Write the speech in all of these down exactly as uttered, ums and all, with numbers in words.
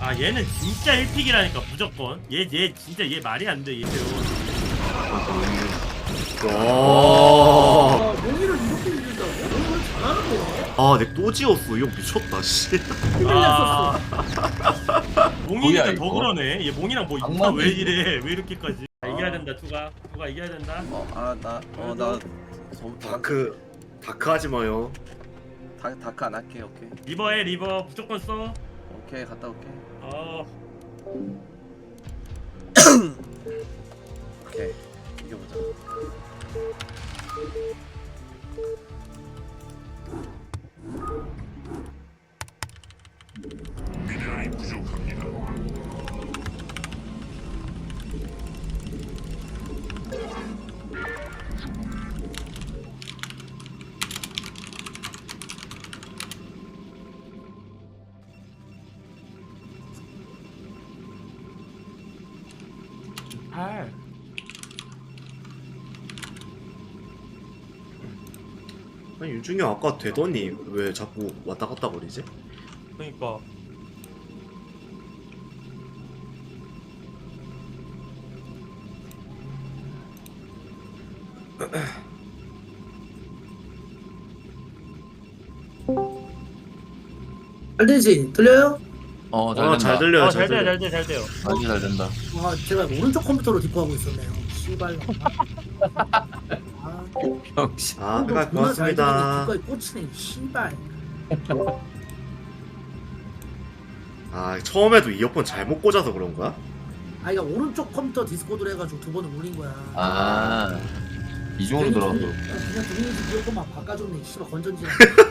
아 얘는 진짜 일 픽이라니까 무조건. 얘 얘 진짜 얘 말이 안 돼. 얘 배우. 와. 아, 몽이를 이렇게 이긴다고? 몽이를 잘하는 거네. 아, 내 또 지웠어. 이거 미쳤다, 씨. 힘을 아. 냈었어. 몽이니까 뭐야, 더 이거? 그러네. 얘 몽이랑 뭐 악마네, 왜 이거. 이래? 왜 이렇게까지? 아, 이겨야 된다. 투가 투가 이겨야 된다. 어, 아, 나, 어, 나, 다크, 다크 하지 마요. 다, 다크 안 할게, 오케이. 리버해 리버 무조건 써. 오케이, 갔다 올게. 어. 오케이, 이겨보자. 아. 아니, 윤중이 형 아까 되더니 왜 자꾸 왔다 갔다 거리지? 그러니까. 잘 되지? 들려요? 어, 잘 아, 된다. 잘 들려요, 어, 잘 잘 돼요, 들려. 잘 돼, 잘 돼요. 아주 잘 된다. 아, 제가 오른쪽 컴퓨터로 디코하고 있었네요. 씨발. 아, 병신. 아, 그니까 존나 잘 고맙습니다. 들리는데 뒷거에 꽂히네. 씨발. 아, 처음에도 이어폰 잘못 꽂아서 그런 거야? 아, 이거 오른쪽 컴퓨터 디스코드로 해가지고 두 번을 울린 거야. 아, 이중으로 들어가서. 그냥 동영상 이어폰만 바꿔줬네. 씨발 건전지.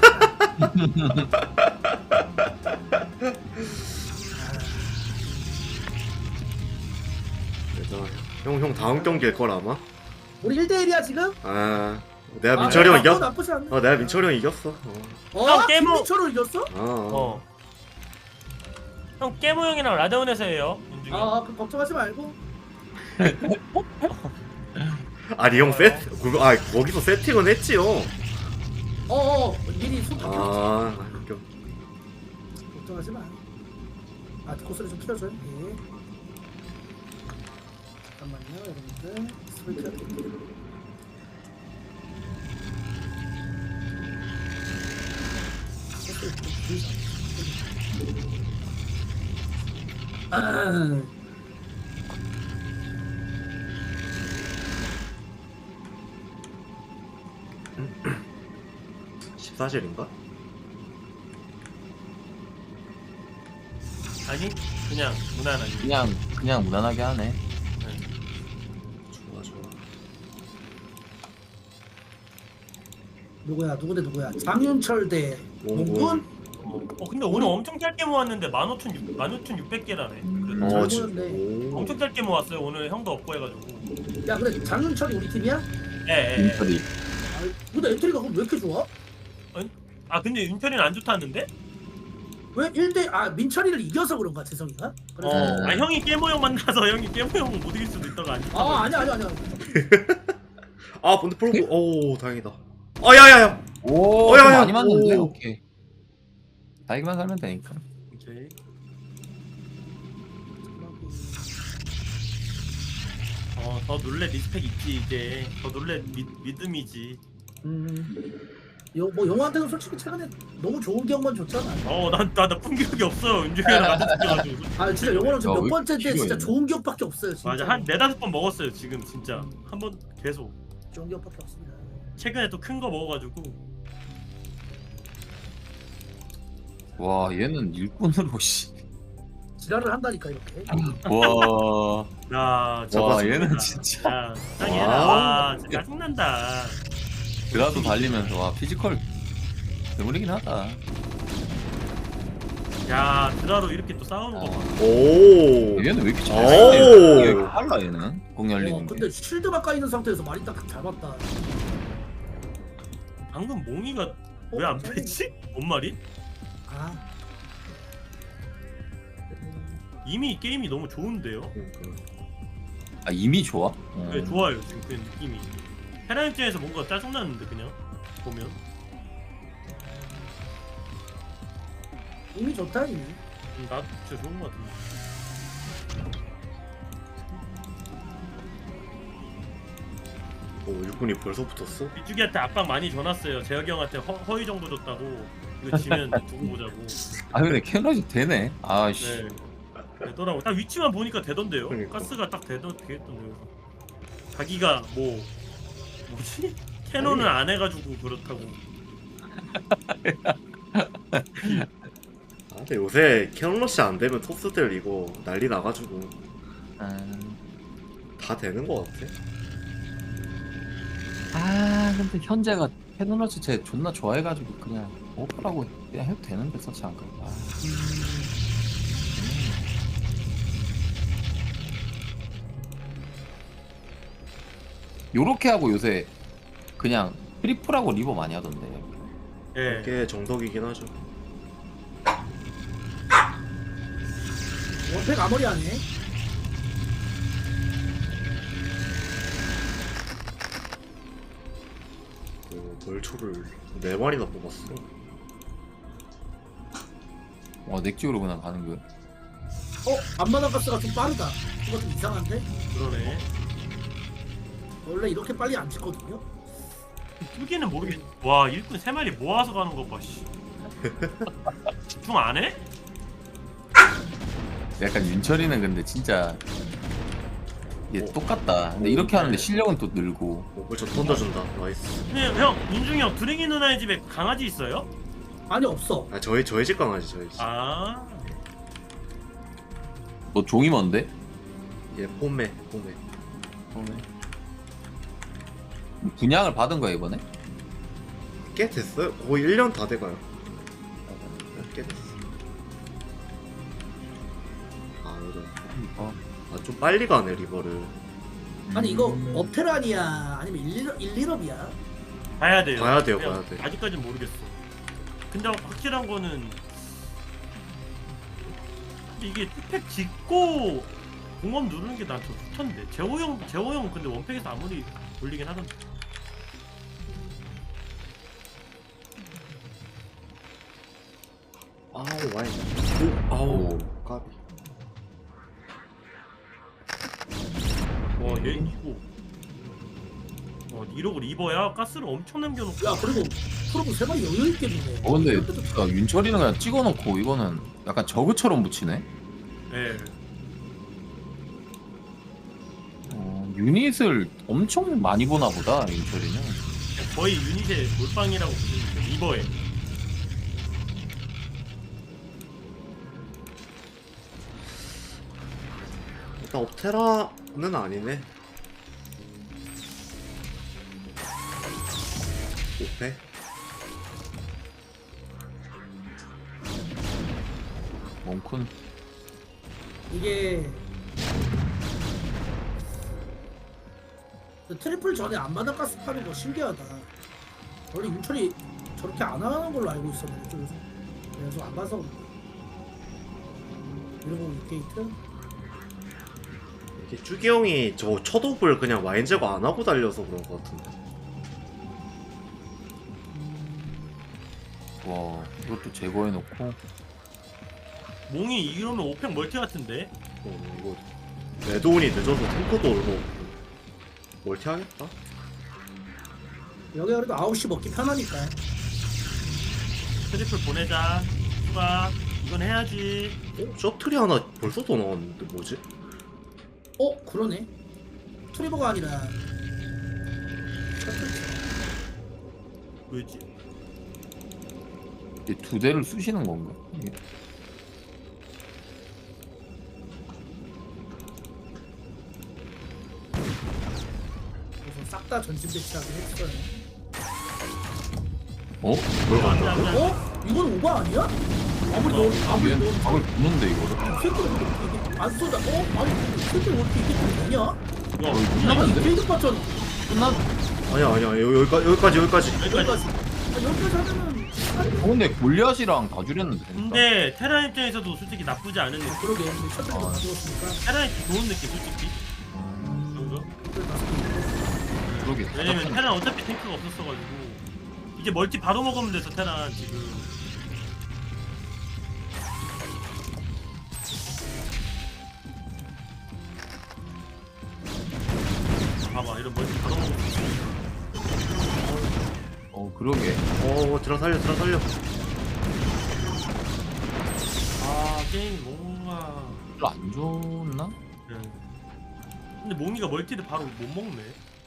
그래서 형, 형 다음 경기일 걸 아마? 우리 일 대 일이야 지금? 아, 내가 아, 민철이 형 나쁘- 이겼. 나쁘지 않네. 어, 내가 민철이 형 이겼어. 어, 어? 형, 깨모- 김민철을 이겼어? 어. 어. 어. 형 깨모 형이랑 라데온에서 해요. 윤중이. 아, 그럼 걱정하지 말고. 아니 형 세트, 그, 아 거기서 세팅은 했지요. 어, 어, 미리 손 아... 아, 웃겨. 걱정하지 마. 아, 코스를 좀 키워줘요. 예. 잠깐만요, 여러분들. 스를 키워드릴게요. 코스를 좀 키우자. 아, 십사실인가? 아니 그냥 무난하게. 그냥, 그냥 무난하게 하네. 좋아 좋아. 누구야? 누구 대 누구야? 장윤철 대 몽군? 몽군? 어, 어 근데 오늘 엄청 짧게 모았는데 만 오천육백 개라네. 그래도 어, 잘 지, 보였네. 오. 엄청 짧게 모았어요. 오늘 형도 없고 해가지고. 야, 근데 장윤철이 우리 팀이야? 예, 예. 예. 민철이. 아, 근데 엔트리가 그럼 왜 이렇게 좋아? 아 근데 윤철이는 안 좋다는데? 왜 일 대 아 민철이를 이겨서 그런가 재성이가? 그래서 어. 아 형이 깨모 형 만나서 형이 깨모 형 못 이길 수도 있다고 안. 아 아니야 아니야 아니야. 아 근데 프로브, 오 다행이다. 아 야야야. 오, 어, 야, 좀 야, 많이 맞는데? 오. 오케이. 나이기만 살면 되니까. 오케이. 어더 놀래 리스펙 있지 이제. 더 놀래 미, 믿음이지. 음. 요, 뭐 영화한테는 솔직히 최근에 너무 좋은 기억만 줬잖아. 어난나나 풍기력이 없어. 윤중이랑 나도 붙여가지고. 아 진짜 영화는 지금 야, 몇 왜 번째인데 이렇게 진짜 길어, 좋은 기억밖에 없어요. 진짜. 맞아 한 네다섯 번 먹었어요 지금 진짜. 한 번 계속. 좋은 기억밖에 없습니다. 최근에 또 큰 거 먹어가지고. 와, 얘는 일꾼으로, 씨. 지랄을 한다니까 이렇게. 와. 야, 와, 저거 얘는 진짜. 진짜. 야, 짱이야. 와. 와, 진짜 짜증난다. 그라도 달리면서, 와, 피지컬. 괴물이긴 하다. 야, 드라로 이렇게 또 싸우는 거 봐. 어. 오. 얘는 왜 이렇게 오. 잘해? 이게 빨라, 얘는. 공 어, 열리는 게. 근데 쉴드 바꿔 있는 상태에서 말이 딱 잘 맞다. 방금 몽이가 왜 안 빼지? 뭔 말이? 아. 이미 게임이 너무 좋은데요? 아, 이미 좋아? 어. 네, 좋아요, 지금 그 느낌이. 헤라 입장에서 뭔가 짜증나는데, 그냥. 보면. 이미 좋다 이미. 음, 나도 진짜 좋은 것 같은데. 오 육군이 벌써 붙었어? 이주기한테 압박 많이 줘놨어요. 재혁이 형한테 허, 허위 정보 줬다고. 이거 지면 두고 보자고. 아 근데 캐논이 되네. 아씨. 네. 되더라고. 딱 위치만 보니까 되던데요. 그러니까. 가스가 딱 되던 되겠던데요. 자기가 뭐 뭐지? 캐논을 안 해가지고 그렇다고. 아 근데 요새 캐논러시 안 되면 톱스들 이거 난리 나가지고 음... 다 되는 거 같아. 아 근데 현재가 캐논러시 쟤 존나 좋아해가지고 그냥 오프라고 그냥 해도 되는데 서치 안 그런가. 아. 요렇게 하고 요새 그냥 트리플하고 리버 많이 하던데. 예. 이게 정석이긴 하죠. 원팩 아무리 하네. 그 벌초를 네 마리나 뽑았어. 와 넥지오로 그냥 가는 거야. 어? 앞마당 가스가 좀 빠르다. 이거 좀 이상한데? 그러네. 원래 이렇게 빨리 안 찍거든요? 뚜기는 모르겠. 와 일꾼 세 마리 모아서 가는 거 봐. 씨. 집중 안 해? 약간 윤철이는 근데 진짜 얘 어. 똑같다. 근데 이렇게 하는데 실력은 또 늘고. 오 벌초 던져준다. 나이스. 근데 형 민중이 형 드랭이 누나의 집에 강아지 있어요? 아니 없어. 아 저희 저희 집 강아지 저희 집. 아. 너 종이 뭔데? 얘 폼매 폼매. 분양을 받은 거야 이번에? 꽤 됐어요. 거의 일 년 다 돼가요. 꽤 됐어. 아 이거 어. 아좀 빨리 가네 리버를. 아니 이거 음. 업테란이야 아니면 일일업이야? 봐야 돼요. 봐야 돼요, 그냥 봐야 돼. 아직까진 모르겠어. 근데 확실한 거는 근데 이게 투팩 짓고 공업 누르는 게 난 더 좋던데. 재호 형, 재호 형 근데 원팩에서 아무리 돌리긴 하던데. 아우 와인. 오 아우 까비. 와, 얘 이거. 와, 이러고 리버야 가스를 엄청 남겨놓고. 야 그리고 프로브 세 마리 여유 있게 있네. 어 근데 야, 윤철이는 그냥 찍어놓고 이거는 약간 저그처럼 붙이네. 예. 어, 유닛을 엄청 많이 보나 보다 윤철이는. 거의 유닛의 몰빵이라고 보시면 돼요. 리버에. 일단 옵테라는 아니네. 오페? 몽쿤. 이게 그 트리플 전에 앞마당 가스 파는 거 신기하다. 원래 윤철이 저렇게 안 하는 걸로 알고 있었는데 좀 그래서 안 봐서 이러고 윗게이트 이게 쭈기 형이 저 첫옵을 그냥 와인 제거 안 하고 달려서 그런 것 같은데. 와 이것도 제거해놓고. 몽이 이러면 오팩 멀티 같은데. 어 이거 레드온이 늦어서 탱커도 얼마 없고 멀티 하겠다? 여기 그래도 아홉 시 먹기 편하니까. 트리플 보내자. 추가. 이건 해야지. 어? 셔틀이 하나 벌써 더 나왔는데 뭐지? 어 그러네. 트리버가 아니라 왜지? 이두 대를 쑤시는 건가? 이게? 그래서 싹 다 전진 배치하긴 했어요. 어? 뭘 안 돼, 간다고? 안 돼, 안 돼. 어? 이건 오바 아니야? 아무리 너 아무리 얘 너 각을 보는데 이거를? 새끼를 이게 안 쏘다. 어? 아니 새끼를 어떻게 이게 좀 되냐? 야, 끝났는데? 필드 파전 끝났. 아니야 아니야 여- 여기까지 여기까지 여기까지. 여기까지. 여기까지. 아, 여기까지 하면은 어 근데 골리앗이랑 다 줄였는데. 그러니까. 근데 테라 입장에서도 솔직히 나쁘지 않은 느낌. 그러게 근데 셔틀이 아. 가져왔으니까 테라 입 좋은 느낌 솔직히. 그죠? 그러게. 왜냐면 테라 어차피 탱크가 없었어가지고 이제 멀티 바로 먹으면 돼서 테라 지금. 봐봐 이런 멀티 바로 먹을 수 있어. 어 그러게. 어 들어 살려 들어 살려. 아 게임 뭔가 별로 안 좋나? 네. 근데 몽이가 멀티를 바로 못 먹네.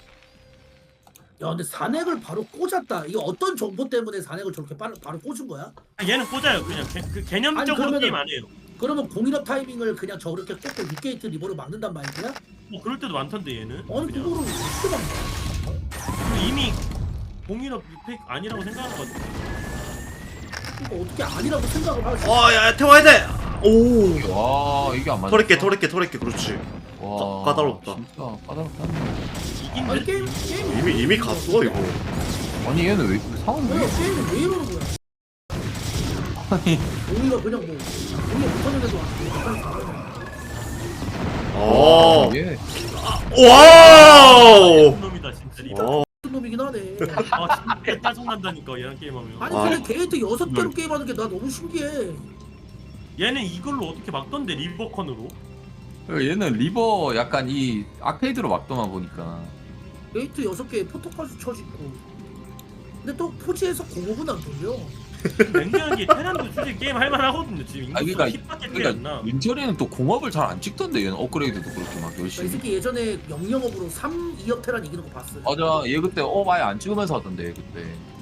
야 근데 산액을 바로 꽂았다. 이거 어떤 정보 때문에 산액을 저렇게 바로, 바로 꽂은 거야? 아, 얘는 꽂아요 그냥 개, 그 개념적으로 아니, 그러면은- 게임 안 해요. 그러면 공인업 타이밍을 그냥 저렇게 꽂고 육 게이트 리버로 막는단 말이야? 뭐 그럴 때도 많던데 얘는. 아니 그냥. 그거를 어떻게 막냐? 그리고 이미 공인업 팩 아니라고 생각하는 것 같아. 이거 어떻게 아니라고 생각을 하지? 어야 태워야 돼. 오. 와 이게 안 맞아. 터렛게 터렛게 터렛게 그렇지. 와 까- 까다롭다. 진짜 까다롭다. 이긴 아니 듯. 게임 게임 이미 이미 갔어 이거. 아니 얘는 왜 상황이 왜 왜? 게임이 왜 이러는 거야? 아니 공이가 그냥 뭐 공이 못하는데도 약간 잘하네. 어. 얘 와우. 놈이다 진짜. 리버. 와. 같은 놈이긴 하네. 아 진짜 짜증난다니까 얘랑 게임하면. 아니 와. 그냥 게이트 여섯 개로 음. 게임하는 게 나 너무 신기해. 얘는 이걸로 어떻게 막던데 리버컨으로? 얘는 리버 약간 이 아케이드로 막더만 보니까. 게이트 여섯 개에 포토까지 쳐짓고. 근데 또 포지에서 공업은 안 돌려. 냉정하게 테란도 솔직히 게임 할만하거든요 지금. 아, 그러니까- 인구수가 십 밖에 안 그러니까 나. 윤철이는 또 공업을 잘 안 찍던데 얘는 업그레이드도 그렇게 막 이 열심히. 새끼 예전에 영영업으로 삼, 이억 테란 이기는 거 봤어. 맞아 얘 그때 업 아예 안 찍으면서 하던데 얘 그때.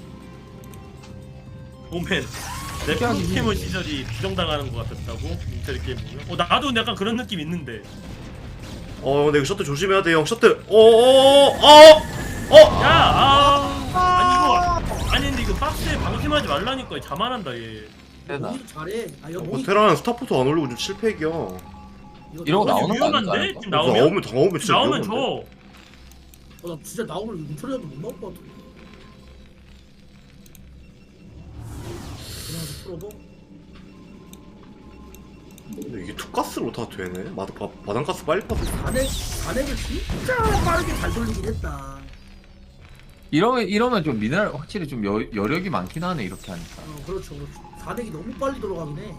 오맨 내 특이하긴 포켓몬 해. 시절이 부정당하는 것 같았다고? 인텔 게임 보면? 어 나도 약간 그런 느낌 있는데. 어 근데 이거 셔틀 조심해야 돼 형. 셔틀. 어어어 어. 어. 야! 아! 아니 이거 아니 근데 이거 박스에 방심하지 말라니까 자만한다 얘. 세다. 공이 잘해. 아 이거 어, 공이 테라는 스타포트 안 올리고 좀 칠팩이야. 이거 이런 거 아니, 나오는 거 위험한데? 아닌가? 지금 나오면? 나오면 나오면 진짜 나오면 위험한데. 줘. 어, 나 진짜 나오면 윤철이라도 못 나올 것 같아. 그냥 풀어봐. 근데 이게 투가스로 다 되네. 마, 바, 바닥가스 빨리 파서. 잔액 잔액을 진짜 빠르게 잘 돌리긴 했다. 이러면 이러면 좀 미네랄 확실히 좀 여, 여력이 많긴 하네 이렇게 하니까. 어 그렇죠 그렇죠. 잔액이 너무 빨리 돌아가긴 해.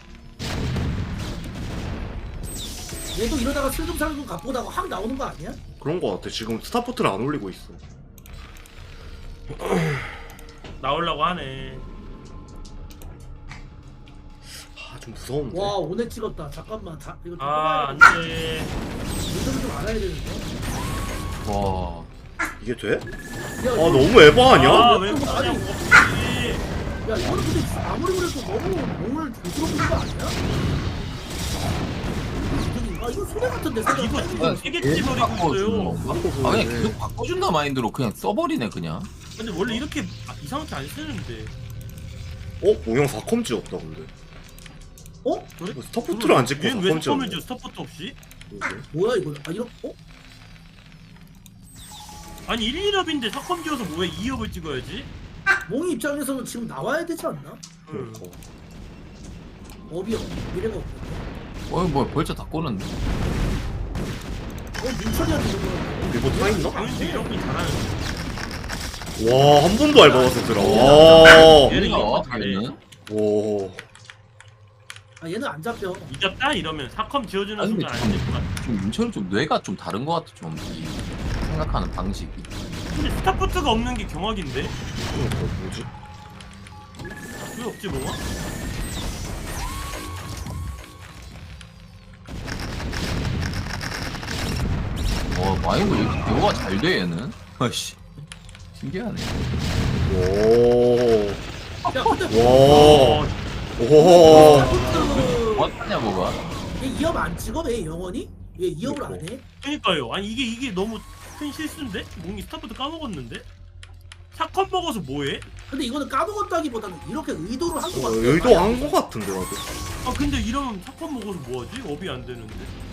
얘도 이러다가 슬금슬금 갚고다가 확 나오는 거 아니야? 그런 거 같아. 지금 스타포트를 안 올리고 있어. 나오려고 하네. 아 좀 무서운데. 와 오늘 찍었다. 잠깐만 다 이거 좀 아 뽑아야겠다. 안돼. 이거는 좀 알아야 되는데. 와. 이게 돼? 야, 아 이거- 너무 에바하냐? 아왜 아니, 그러냐고. 야 이거는 근데 아무리 그래도 너무 몸을 조스럽는 거 아니야? 아 이거 소리 같은데 이거 생각. 지금 세개째 버리고 있어요. 아 그냥 계속 바꿔준다 마인드로 그냥 써버리네 그냥. 근데 원래 이렇게 아, 이상하게 안 쓰는데. 어? 모형 사 컴 찍었다 근데. 어? 그래? 스타포트를 안 찍고 사 얘는 왜 컴 스톰을 찍었네. 줘 스타포트 없이? 뭐야 이거? 아 이런 어? 아니 일, 일업인데 사컴 지어서 뭐해 이 업을 찍어야지? 몽이 입장에서는 지금 나와야 되지 않나? 응. 그러니까. 업이 없 미래가 없는데. 어이 뭐 벌써 다 꼬는데. 어 민철이한테 이거. 리버 타 있나? 당연히 이런 거 잘하는. 와 한 번도 알바봤어 들어. 와. 얘는 이런 거 뭐야 잘해. 얘는? 와. 아 얘는 안 잡혀. 이겼다 이러면 사컴 지어주는 아니, 순간 근데 안 될 것 같아. 좀 윤철이 좀 뇌가 좀 다른 것 같아 좀 이 생각하는 방식이. 근데 스타포트가 없는 게 경악인데? 그러니까 뭐지? 왜 없지 뭐가? 와 마인드 왜 이렇게 대화가 잘 돼 얘는? 아씨 신기하네. 오. 야 근데 와. 어, 오. 스타포트 어떠냐 뭐가? 얘 이업 안 찍어 왜 영원히? 왜 이업을 안 해? 그니까요. 아니 이게 이게 너무 큰 실수인데? 몽이 스타포트 까먹었는데? 사컴 먹어서 뭐해? 근데 이거는 까먹었다기보다는 이렇게 의도를 한 거 같아. 의도한 거 같은데 나도. 아 근데 이러면 사컴 먹어서 뭐하지? 업이 안 되는데?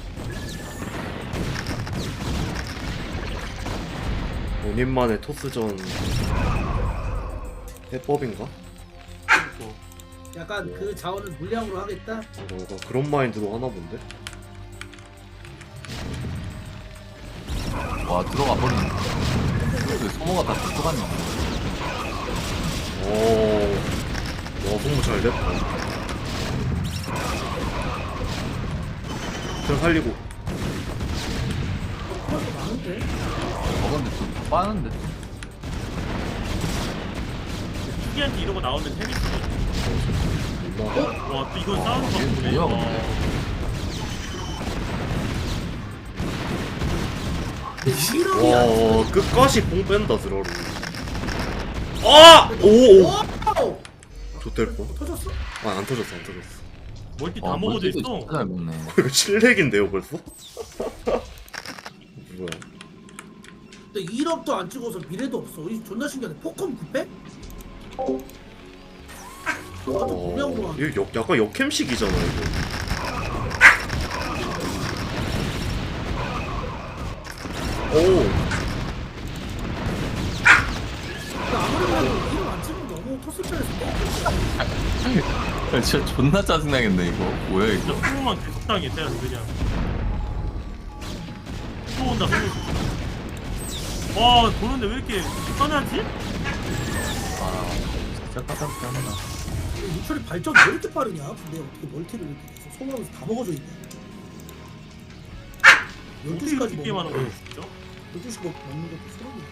본인만의 토스전 해법인가? 그러니까. 약간 그 자원을 물량으로 하겠다. 뭔가 그런 마인드로 하나 본데? 와 들어가 버리네. 그래도 소모가 다 들어갔네. 오. 와 성무 잘 됐다. 저 살리고. 그런 거 많은데. 근데 좀 빠는데. 특이한테 이러고 나오면 재밌어. 몰라. 와, 또 이건 와, 싸우는 거 이게 같네. 뭐야, 와. 근데 이름이 안 와 끝까지 뽕 뺀다 드라로. 아! 오오. 오! 좋될 뻔. 터졌어? 아안 터졌어 안 터졌어. 멀티 다 와, 먹어도 멀티도 있어. 진짜 잘 먹네. 이거 칠렉인데요 벌써? 뭐야? 근데 일억도 안 찍어서 미래도 없어. 이 존나 신기하네. 포컴 구백? 저거 좀 분명 어, 거 이거 역, 약간 역캠식이잖아 이거. 오. 아무래도 이름 안 찍으면 너무 토스전에서 땡겼어. 진짜 존나 짜증나겠네 이거. 뭐야 이거. 진짜 소모만 계속 당해, 때려 그냥. 또 온다, 소모. 와, 보는데 왜 이렇게 편하지? 아 진짜 까다롭다. 유철이 발전이 왜 이렇게 빠르냐? 근데 어떻게 멀티를 이렇게 계속 소모하면서 다 먹어져 있냐? 열두 시까지 게임 하는 먹는 거야, 거 진짜? 열두 시 먹- 먹는 것도 소름이야.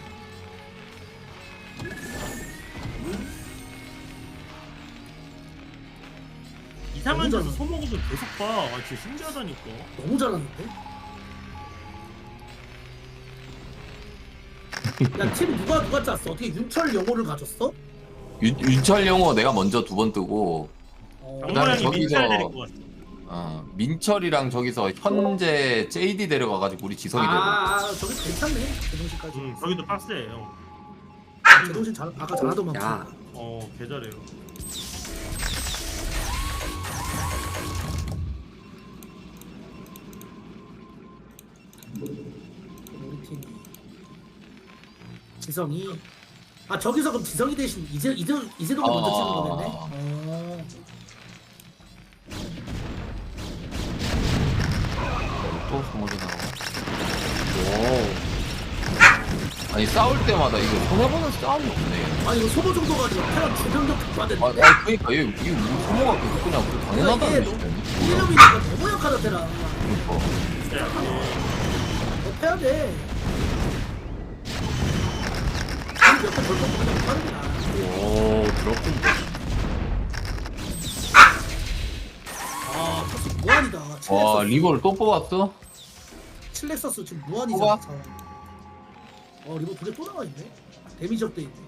이상한 너무 데서 잘하네. 소모고도 계속 봐. 아, 진짜 신기하다니까. 너무 잘하는데? 야, 팀 누가 누가 짰어? 어떻게 윤철 영호를 가졌어? 윤 윤철 영호 내가 먼저 두 번 뜨고. 어, 그다음에 장모양이 저기서- 민철 데릴 것 같아. 어, 민철이랑 저기서 현재 제이디 데려가가지고 우리 지성이 데려. 아, 아, 저기 괜찮네. 제동신까지. 응, 저기도 빡세요. 제동신 잘 아까 잘하더만. 야. 어, 개 잘해요. 우리 팀 지성이. 아 저기서 그럼 지성이 대신 이제 이제 이제동이 먼저 찍는 아. 거겠네. 어. 또 소모전 나와. 와. 아니 싸울 때마다 이거 손해보는 싸움이 없네. 아 이거 소모 정도가 아니라 태양 주변적 아, 특화됐는데. 아 그러니까 얘 이게 우리 소모가 계속 그냥 그 당연하다는 이게 얘기지. 이름이니까 너무 약하다 테라. 그러니까. 진짜 약해. 너 패야 돼. 우리 몇번 벌컥 그냥 빠르구나. 와 드라군. 아 사실 무한이다. 와 칠렉서스. 리버를 또 뽑았어? 칠렉서스 지금 무한이잖아. 뽑아? 자. 어 리버 두 개 또 나와 있네. 데미지 업돼 있네.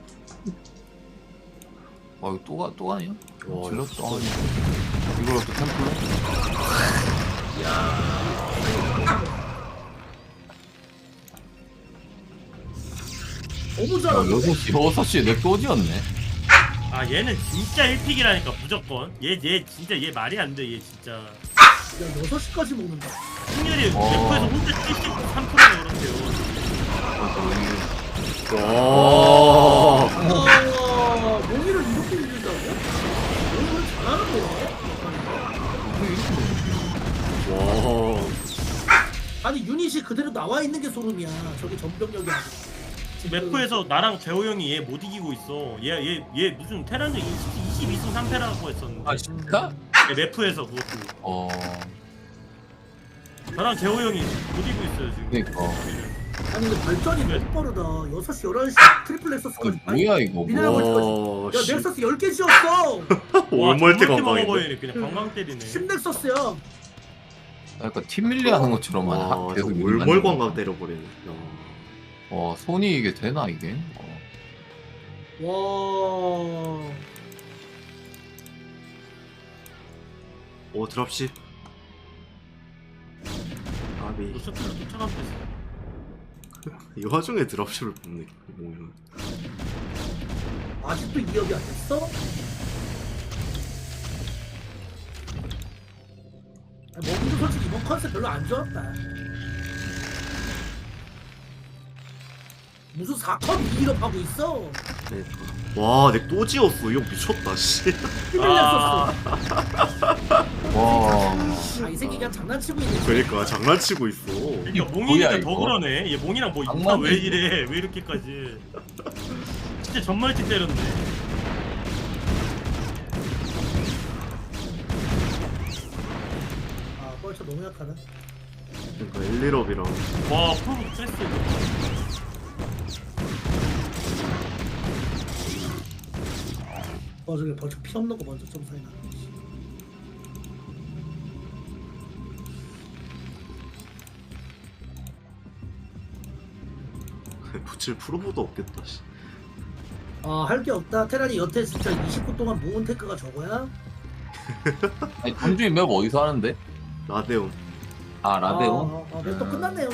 와 이거 또가 또 아니야? 와, 질렀어. 아니. 이걸로 또 템플러? 너무 야 잘하네. 여섯 시 여섯 시에 넥도 지었네. 아, 얘는 진짜 일 픽이라니까, 무조건. 얘, 얘, 진짜 얘 말이 안 돼, 얘 진짜. 야 여섯 시까지 먹는다. 승률이 어. 래퍼에서 혼자 칠십삼 퍼센트가 그렇대요. 와. 아, 몽이를 이렇게 밀린다고? 몽이를 잘하는데? 와. 아니 유닛이 그대로 나와 있는 게 소름이야. 저기 전병력이 아니라. 지금 래퍼에서 나랑 재호 형이 얘 못 이기고 있어. 얘, 얘, 얘 무슨 테란전 이십이 승 삼 패라고 했었는데. 아 진짜? 얘 래퍼에서 그것도. 어. 나랑 재호 형이 못 이기고 있어요, 지금. 그러니까. 아니 근데 발전이 너무 빠르다. 여섯 시 열한 시 트리플 넥서스까지. 아니, 뭐야 이거? 미네랄 뭐. 와. 야 넥서스 열 개 지었어. 월멀티 저렇게 관광인데. 먹어버리네. 그냥 관광 때리네. 십 넥서스야. 약간 팀 밀리 하는 것처럼만 하- 와. 계속 월멀 밀리는 관광 거. 때려버리네. 야. 와 손이 이게 되나 이게? 어. 와. 오 드랍십. 아비. 너 셔틀로 쫓아가면 됐어. 이 와중에 드랍십을 뽑네. 뭐야. 아직도 이 업이 안 됐어? 아, 먹이도 솔직히 이번 컨셉 별로 안 좋았다. 무슨 사 컵 이 업 하고 있어? 네. 와, 내 또 지었어. 이거 미쳤다, 씨. 힘을 아. 냈었어. 와. 아, 이 새끼 그냥 장난치고 있네. 그러니까 장난치고 있어. 그러니까 뭐야, 몽이니까 더 이거? 그러네. 얘 몽이랑 뭐 악마네, 인파 왜 이래? 왜 이렇게까지? 진짜 전말티 때렸네. 아, 뻘쳐 너무 약하다. 그러니까 일, 일업이랑 와 프로브 스트레스. 어 저기 벌써 피 없는 거 먼저 점사해 놔. 붙일 프로보도 없겠다 씨. 아할 게 없다. 테란이 여태 진짜 이십 분 동안 모은 테크가 저거야? 아니 동준이 맵 어디서 하는데? 라데온. 아 라데온? 아, 아, 맵또 끝났네요.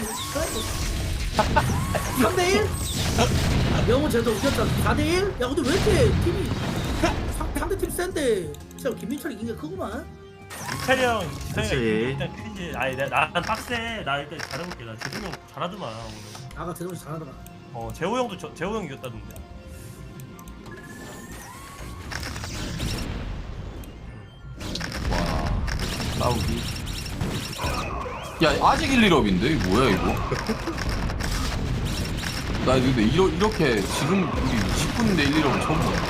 삼 대 일? 영호 쟤도 웃겼잖아. 사 대 일? 야 근데 왜 이렇게 팀이 상- 상대팀 센데 진짜 김민철이 이긴 게 크구만. 민철이 형 기성이가 그치. 일단 크지. 아니 나- 난 빡세. 나 일단 잘해볼게. 나 재승이 형 잘하더만 오늘. 아가 제동이 잘하더라. 어 재호 형도 저, 재호 형 이겼다던데. 와 싸우기. 야 아직 일, 일업인데 이거 뭐야 이거? 나 근데 이러, 이렇게 지금 우리 십 분인데 일, 일업 처음 봐.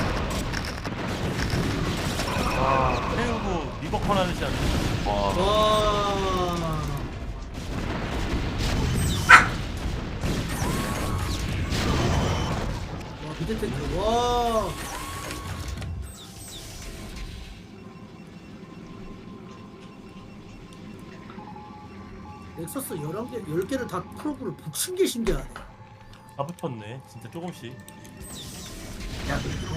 와 태우고 리버컨 하듯이 하네. 와 와. 와 미드 탱크. 와. 넥서스 열한 개, 열 개를 다 프로브를 붙인 게 신기하네. 다 붙었네. 진짜 조금씩. 야, 근데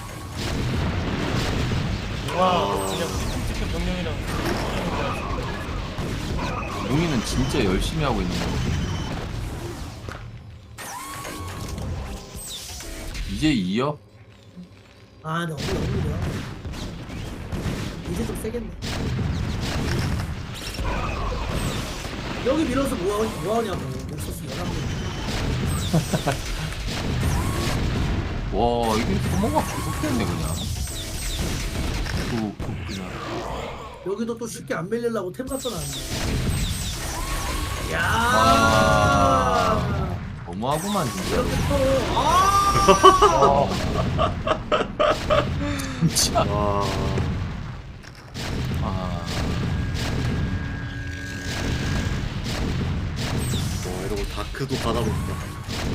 와 그냥 우리 팀 병력이랑 하는 거야. 용이는 진짜 열심히 하고 있는 거. 이제 이어? 아, 근데 어디 어디야? 이제 좀 세겠네. 여기 밀어서 뭐, 뭐 하냐고. 넥서스 열한 개. 와 이게 소모가 계속됐네 그냥. 그, 그 그냥. 여기도 또 쉽게 안 밀리려고 템 갖다 놨네. 야. 아 너무하구만 진짜. 이렇게 또. 아. 진짜. 와. 아 와 이러고 다크도 받아본다.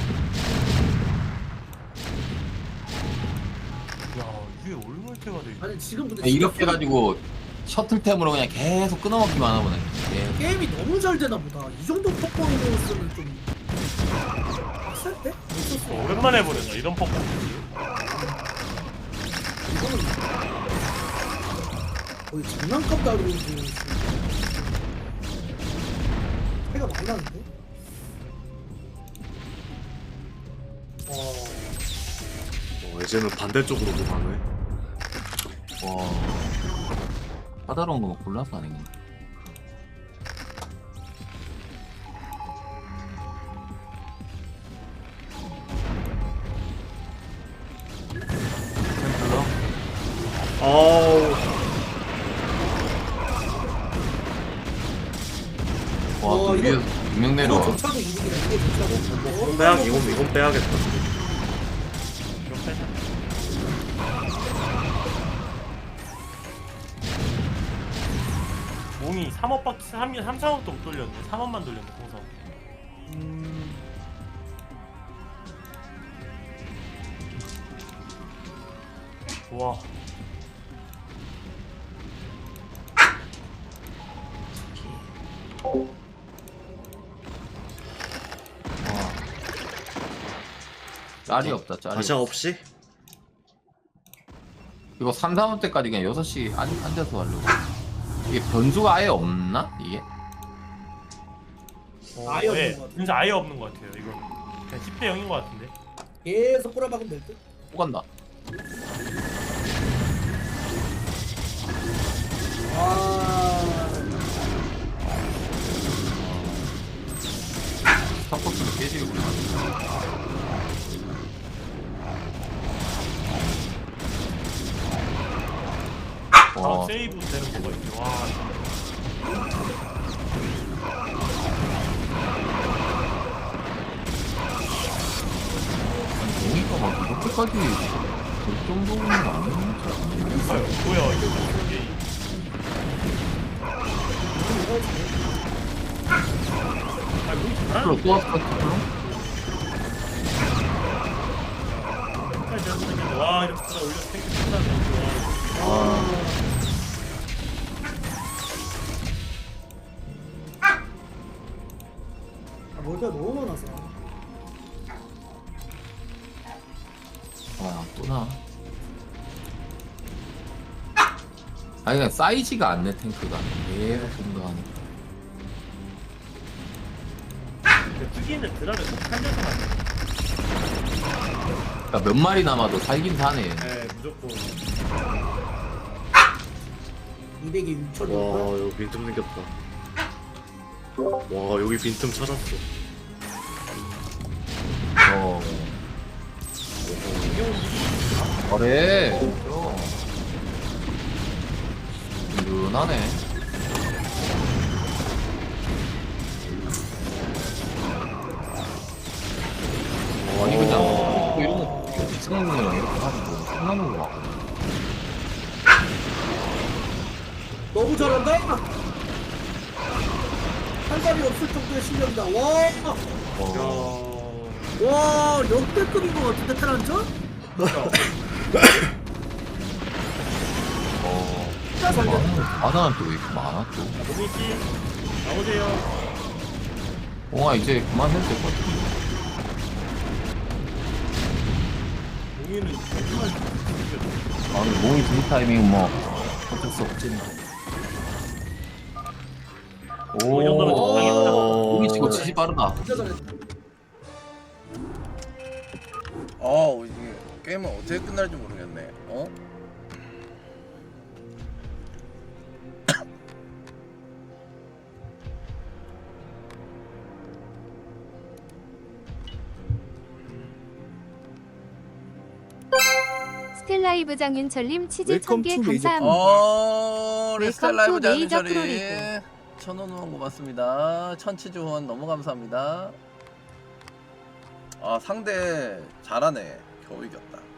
야 위에 올몰테가 돼. 아니 지금 근데 이렇게 진짜 해가지고 셔틀템으로 그냥 계속 끊어먹기만 하나 보네. 예. 게임이 너무 잘 되나 보다. 이 정도 퍼포먼스는 좀 빡센데? 넥서스 어, 오랜만에 보낸다 이런 퍼포먼스. 이거는 거의 장난감 다루고 차이가 많이 나는데? 어... 어, 이제는 반대쪽으로도 가네. 와 까다로운 거만 골라서 아니겠네. 템플러? 아우. 와, 어, 또 이거- 위에서 분명 이거 내려와. 조차도 이득이다. 이게 조차도 이건 빼야 이건 이건 빼야겠다. 이거 빼자. 몽이 삼업밖에 삼, 삼, 사업도 못 돌렸네. 삼업만 돌렸네 공성. 음... 와 와. 짤이 없다, 짤이. 다시 없이? 이거 삼, 사업 때까지 그냥 여섯 시 앉, 앉아서 하려고. 이게 변수가 아예 없나? 이게? 어, 아예 없는 네, 것 같아. 진짜 아예 없는 것 같아요. 이거 그냥 십 대 영인 것 같은데. 계속 꼬라박으면 될 듯? 또 간다. 아... 스타포트를 깨지겠구나. 바로 와, 세이브 되는 거가 있네. 와 보니까 막 이렇게까지 될 정도는 아닌 줄 알았는데. 아유, 뭐야 이거 무슨 게임. 아 몽이 잘하는 플러 또 왔어, 플러? 생겼는데 와 이렇게 들어 올려서 탱크 끝나네. 아, 아, 멀티가 너무 많아서. 아, 또 나. 아니, 그냥 사이즈가 안 내, 탱크가. 계속 공격하니까. 그 특이는 드라를 꼭 살려서 만든. 그러니까 몇 마리 남아도 살긴 사네. 네 무조건. 이백에 육천 와 원. 여기 빈틈 생겼다. 와 여기 빈틈 찾았어. 어. 그래. 든든하네. 아니 그냥 뭐 이런 거 이상한 이렇게 가지고 끝나는 거 같거든. 너무 잘한다. 한 발이 없을 정도의 실력이다. 와, 어. 야. 와 역대급인 것 같은데 테란전? 어. 진짜 잘 됐다. 바나는 또 왜 이렇게 많아 또? 모미 씨 나오세요. 어 이제 그만 해도 될 것 같은데. 모미는 정말 죽였어. 아 근데 몸이 든 타이밍 뭐 어쩔 수 없지. 오, 이 정도면 적당했다. 몸이 지금 지시 빠르다. 진짜 잘했다. 어 이게 게임은 어떻게 끝날지 모르겠네. 어? 스텔라이브 장윤철님 치즈 웰컴 천 개 투 메이저 감사합니다. 어 레스텔 웰컴 라이브 투 메이저 장윤철이 프로리그. 천원 후원 고맙습니다. 천치즈 후원 너무 감사합니다. 아 상대 잘하네. 겨우 이겼다.